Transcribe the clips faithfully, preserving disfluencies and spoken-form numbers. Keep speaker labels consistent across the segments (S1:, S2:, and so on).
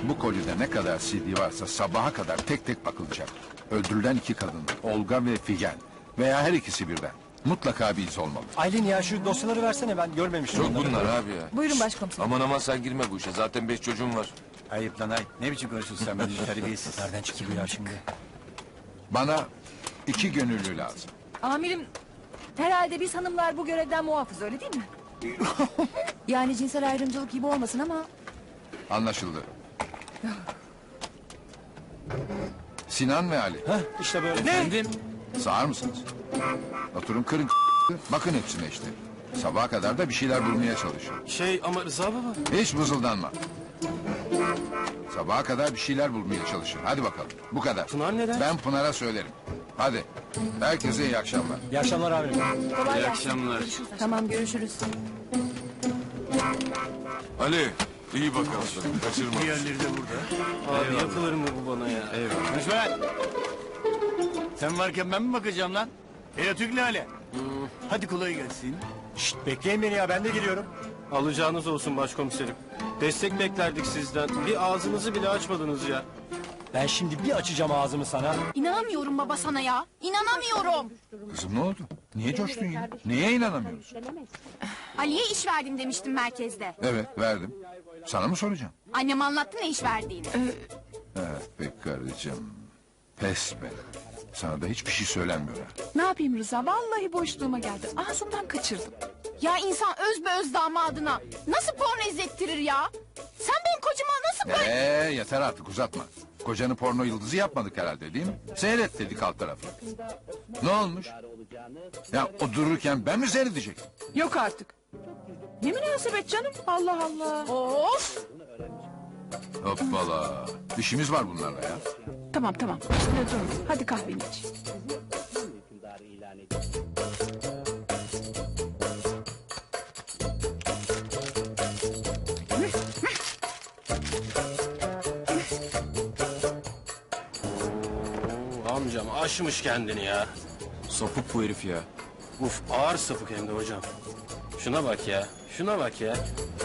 S1: Bu kolide ne kadar C D varsa sabaha kadar tek tek bakılacak. Öldürülen iki kadın, Olga ve Figen. Veya her ikisi birden. Mutlaka bir iz olmalı.
S2: Aylin ya şu dosyaları versene, ben görmemiştim.
S3: Çok
S2: onları.
S3: bunlar abi ya.
S4: Buyurun başkomiserim.
S3: Aman aman sen girme bu işe. Zaten beş çocuğum var.
S5: Ayıp lan ayıp. Ne biçim konuşuyorsun sen benimle terbiyesiz.
S2: Nereden çıktı bu ya şimdi?
S1: Bana iki gönüllü lazım.
S4: Amirim, herhalde biz hanımlar bu görevden muafız, öyle değil mi? Yani cinsel ayrımcılık gibi olmasın ama...
S1: Anlaşıldı. Sinan ve Ali.
S2: Heh, işte böyle. Ne?
S1: Sağır mısınız? Oturun kırın bakın hepsine işte. Sabaha kadar da bir şeyler bulmaya çalışın.
S3: Şey ama Rıza baba.
S1: Hiç mızıldanma. Sabaha kadar bir şeyler bulmaya çalışın. Hadi bakalım. Bu kadar.
S3: Pınar neden?
S1: Ben Pınar'a söylerim. Hadi. Herkese iyi akşamlar.
S2: İyi akşamlar amirim.
S4: Kolay
S3: İyi
S4: gelsin.
S3: akşamlar.
S4: Tamam, görüşürüz.
S3: Ali iyi bak aslanım. Kaçırma.
S5: Diğerleri de burada.
S3: Abi yapılır mı bu bana ya?
S5: Eyvallah. Konuşma lan. Sen varken ben mi bakacağım lan? Hele Türk Lale. Hadi kolay gelsin.
S2: Şşt, bekleyin beni ya, ben de geliyorum.
S6: Alacağınız olsun başkomiserim. Destek beklerdik sizden. Bir ağzınızı bile açmadınız ya.
S2: Ben şimdi bir açacağım ağzımı sana.
S7: İnanamıyorum baba sana ya. İnanamıyorum.
S1: Kızım ne oldu? Niye coştun ya? Neye inanamıyorsun?
S7: Ali'ye iş verdim demiştim merkezde.
S1: Evet verdim. Sana mı soracağım?
S7: Annem anlattı ne iş verdiğini.
S1: Evet be karıcığım. Pes be. Sana da hiçbir şey söylenmiyor ha.
S8: Ne yapayım Rıza? Vallahi boşluğuma geldi. Ağzımdan kaçırdım.
S7: Ya insan öz be öz damadına nasıl porno izlettirir ya? Sen benim kocama nasıl böyle...
S1: Ee, yeter artık uzatma. Kocanı porno yıldızı yapmadık herhalde değil mi? Seyret dedik alt tarafı. Ne olmuş? Ya o dururken ben mi seyredecektim?
S8: Yok artık. Ne münasebet canım? Allah Allah.
S7: Of!
S1: Hoppala. İşimiz var bunlarla ya.
S8: Tamam tamam. Üstüne durma. Hadi kahveni iç.
S6: Oo, amcam aşmış kendini ya.
S3: Sapık bu herif ya.
S6: Uf ağır sapık hem de hocam. Şuna bak ya. Şuna bak ya.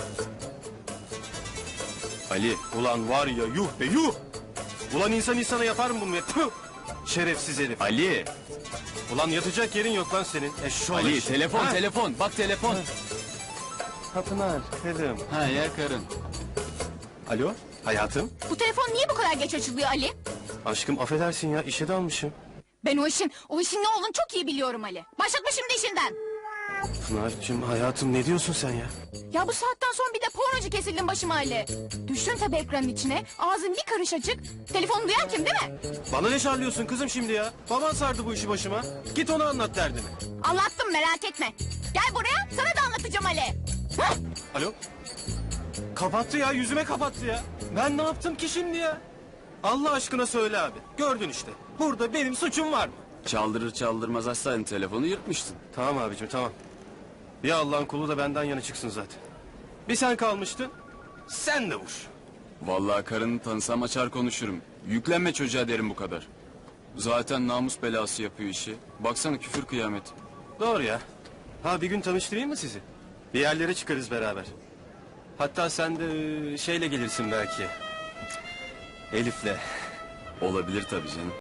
S6: Ali ulan var ya yuh be yuh. Ulan insan insana yapar mı bunu ya? Tüh! Şerefsiz herif.
S3: Ali.
S6: Ulan yatacak yerin yok lan senin. Eşşoğlu
S3: Ali
S6: eş-
S3: telefon
S6: Ha?
S3: telefon. Bak telefon.
S6: Ha Pınar, kızım.
S3: Ha ya karın.
S6: Alo hayatım.
S7: Bu telefon niye bu kadar geç açılıyor Ali?
S6: Aşkım affedersin ya işe dalmışım.
S7: Ben o işin, o işin ne olduğunu çok iyi biliyorum Ali. Başlatma şimdi işinden.
S6: Pınar'cığım hayatım ne diyorsun sen ya?
S7: Ya bu saatten sonra bir de pornocu kesildin başıma Ali. Düştün tabii ekranın içine. Ağzın bir karış açık. Telefonu duyan kim değil mi?
S6: Bana ne şarlıyorsun kızım şimdi ya? Baban sardı bu işi başıma. Git ona anlat derdini.
S7: Anlattım merak etme. Gel buraya sana da anlatacağım Ali. Hah!
S6: Alo? Kapattı ya yüzüme kapattı ya. Ben ne yaptım ki şimdi ya? Allah aşkına söyle abi. Gördün işte. Burada benim suçum var mı?
S3: Çaldırır çaldırmaz açsaydın telefonu yırtmıştın.
S6: Tamam abicim tamam. Bir Allah'ın kulu da benden yana çıksın zaten. Bir sen kalmıştın. Sen de vur.
S3: Vallahi karını tanısam açar konuşurum. Yüklenme çocuğa derim bu kadar. Zaten namus belası yapıyor işi. Baksana küfür kıyamet.
S6: Doğru ya. Ha bir gün tanıştırayım mı sizi? Bir yerlere çıkarız beraber. Hatta sen de e, şeyle gelirsin belki. Elif'le.
S3: Olabilir tabii canım.